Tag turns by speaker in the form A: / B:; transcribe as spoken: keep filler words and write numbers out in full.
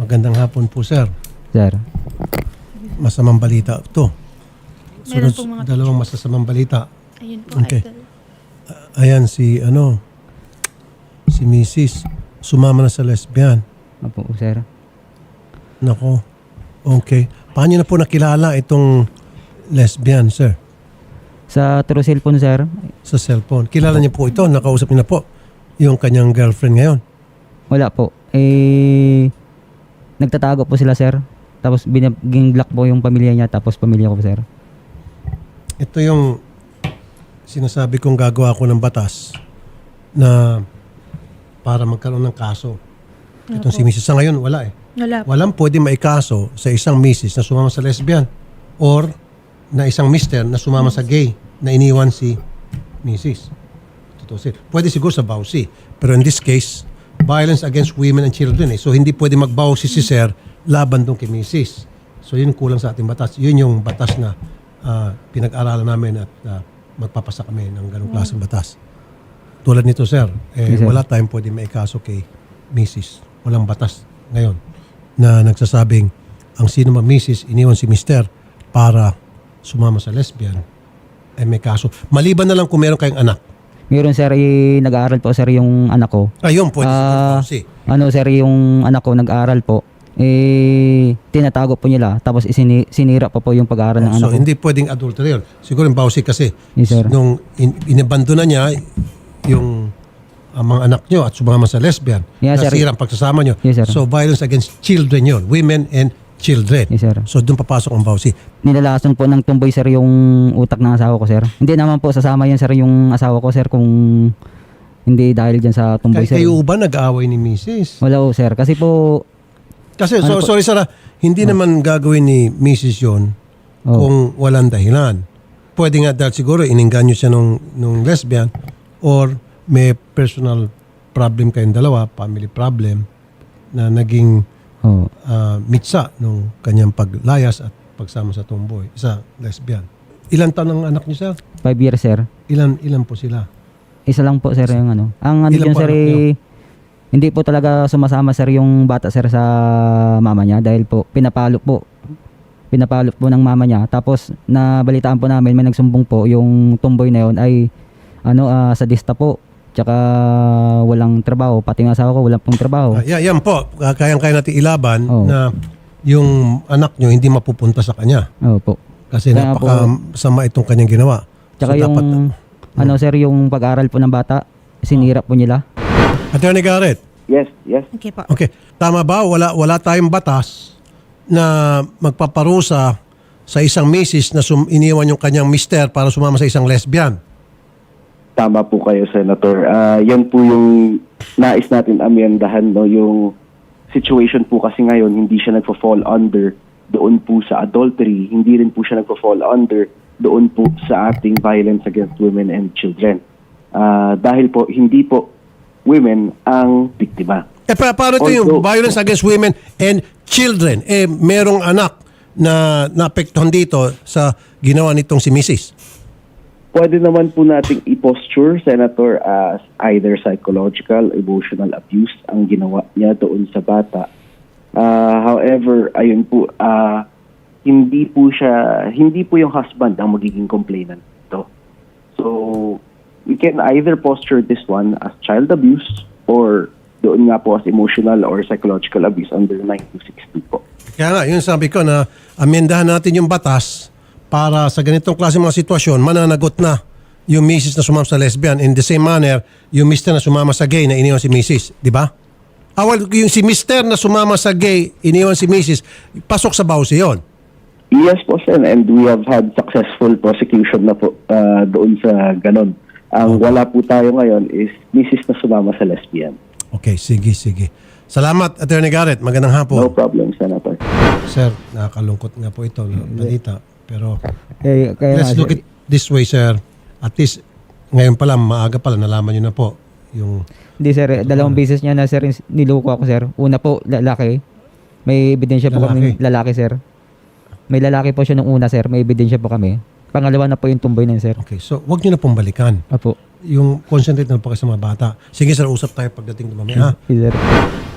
A: Magandang hapon po, sir.
B: Sir.
A: Masamang balita ito.
C: Meron
A: Sunod,
C: pong mga
A: dalawang masasamang balita.
C: Ayun po,
A: Okay.
C: idol.
A: Ayan si, ano, si missus Sumama na sa lesbian.
B: Opo, sir.
A: Nako. Okay. Paano niyo na po nakilala itong lesbian, sir?
B: Sa true cellphone, sir.
A: Sa cellphone. Kilala niyo po ito? Nakausap niyo na po yung kanyang girlfriend ngayon?
B: Wala po. Eh, nagtatago po sila, sir. Tapos binaging block po yung pamilya niya, tapos pamilya ko po, sir.
A: Ito yung sinasabi kong gagawa ko ng batas na para magkaroon ng kaso. Itong si missus Sa ngayon, wala eh.
C: Wala po.
A: Walang pwede maikaso sa isang missus na sumama sa lesbian or na isang mister na sumama sa gay na iniwan si missus Tutusin. Pwede siguro sa bawsi. Pero in this case, violence against women and children eh. So hindi pwede magbawsi si sir laban doon kay missus So yun kulang sa ating batas. Yun yung batas na ah, pinag-aralan namin at ah, magpapasa kami ng ganong klaseng batas. Tulad nito, sir, eh,
B: Yes, sir.
A: wala tayong pwede maikaso kay missus Walang batas ngayon na nagsasabing ang sino man missus iniwan si mister para sumama sa lesbian, eh may kaso. Maliban na lang kung meron kayong anak.
B: Meron, sir, eh, nag-aaral po, sir, yung anak ko.
A: Ayun, pwede
B: Ah,
A: si
B: ano, sir, yung anak ko nag-aaral po. Eh, tinatago po nila. Tapos isini, sinira pa po yung pag-aaral ng anak
A: So
B: ko.
A: hindi pwedeng adultery yun. Siguro yung bawsi kasi
B: Yes, sir.
A: nung in, inabando na niya yung ang mga anak nyo at sumama sa lesbian,
B: Yes, sir.
A: nasira ang pagsasama nyo.
B: Yes, sir.
A: So violence against children yun. Women and children.
B: Yes, sir.
A: So doon papasok ang bawsi.
B: Nilalason po ng tumboy, sir, yung utak ng asawa ko, sir. Hindi naman po sasama yan, sir, yung asawa ko, sir, kung hindi dahil dyan sa tumboy,
A: Kay,
B: sir.
A: kayo ba nag-aaway ni missus
B: Wala po, sir. Kasi po,
A: Kasi, so,
B: Ano po?
A: sorry Sarah, hindi naman gagawin ni missus yun
B: Oh.
A: kung walang dahilan. Pwede nga dahil siguro iningganyo siya nung, nung lesbian or may personal problem kayong dalawa, family problem, na naging
B: oh,
A: ah, mitsa nung kanyang paglayas at pagsama sa tomboy, sa lesbian. Ilan taon ang anak niyo, sir?
B: five years, sir.
A: Ilan ilan po sila?
B: Isa lang po, sir, yung ano. Ang ano
A: Ilan
B: dyan,
A: po
B: sir,
A: anak niyo?
B: eh, hindi po talaga sumasama, sir, yung bata, sir, sa mama niya. Dahil po, pinapalo po. Pinapalo po ng mama niya. Tapos, nabalitaan po namin, may nagsumbong po, yung tomboy na yun ay, ano, ah, sadista po. Tsaka, walang trabaho. Pati ng asawa ko, walang pong trabaho.
A: Ah, yeah, yan po, Ah, kayang-kaya natin ilaban
B: Oh.
A: na yung anak niyo hindi mapupunta sa kanya.
B: Opo.
A: Kasi
B: Kaya
A: napakasama itong kanyang ginawa.
B: Tsaka
A: So,
B: yung,
A: dapat,
B: ano, sir, yung pag-aaral po ng bata, sinira po nila.
A: Attorney Garrett,
D: Yes, yes.
C: Okay po.
A: okay, tama ba? Wala, wala tayong batas na magpaparusa sa isang misis na sum, iniwan yung kanyang mister para sumama sa isang lesbian.
D: Tama po kayo, Senator. Ah, yan po yung nais natin amyendahan, no? Yung situation po kasi ngayon, hindi siya nagfo-fall under doon po sa adultery, hindi rin po siya nagfo-fall under doon po sa ating violence against women and children. Ah, dahil po, hindi po women ang biktima.
A: Eh, pa, paano ito yung
D: Although-
A: violence against women and children? Eh, merong anak na naapektuhan dito sa ginawa nitong si missus
D: Pwede naman po nating i-posture, Senator, as either psychological, emotional abuse ang ginawa niya doon sa bata. Ah, however, ayun po, ah, hindi po siya, hindi po yung husband ang magiging complainant dito. So, we can either posture this one as child abuse or doon nga po as emotional or psychological abuse under nine two six two po.
A: Kaya nga, yun sabi ko na amendahan natin yung batas para sa ganitong klase mga sitwasyon, mananagot na yung misis na sumama sa lesbian. In the same manner, yung mister na sumama sa gay na iniwan si misis. Di ba? Ah, well, yung si mister na sumama sa gay, iniwan si misis, pasok sa bawsi yun.
D: Yes po, sir, and we have had successful prosecution na po ah, doon sa ganon. Ang wala po tayo ngayon is misis na sumama sa lesbian.
A: Okay, sige, sige. Salamat, Attorney Garrett. Magandang
D: No
A: hapon.
D: problem, Senator.
A: Sir, nakakalungkot nga po ito, na balita. Pero
B: Eh, kaya
A: let's
B: nga,
A: look
B: sir,
A: it this way, sir. At least, ngayon pa lang, maaga pa lang, nalaman nyo na po yung...
B: Hindi, sir, eh, dalawang beses niya na, sir, niloko ako, sir. Una po, lalaki. May ebidensya po
A: Lalaki.
B: kami lalaki, sir. May lalaki po siya nung una, sir. May ebidensya po kami. Pangalawa na po yung tumboy na yun, sir.
A: Okay, so wag nyo na pong balikan.
B: Apo.
A: Yung concentrate na po kayo sa mga bata. Sige, sir, usap tayo pagdating ng mamaya. ha?
B: Yes, sir.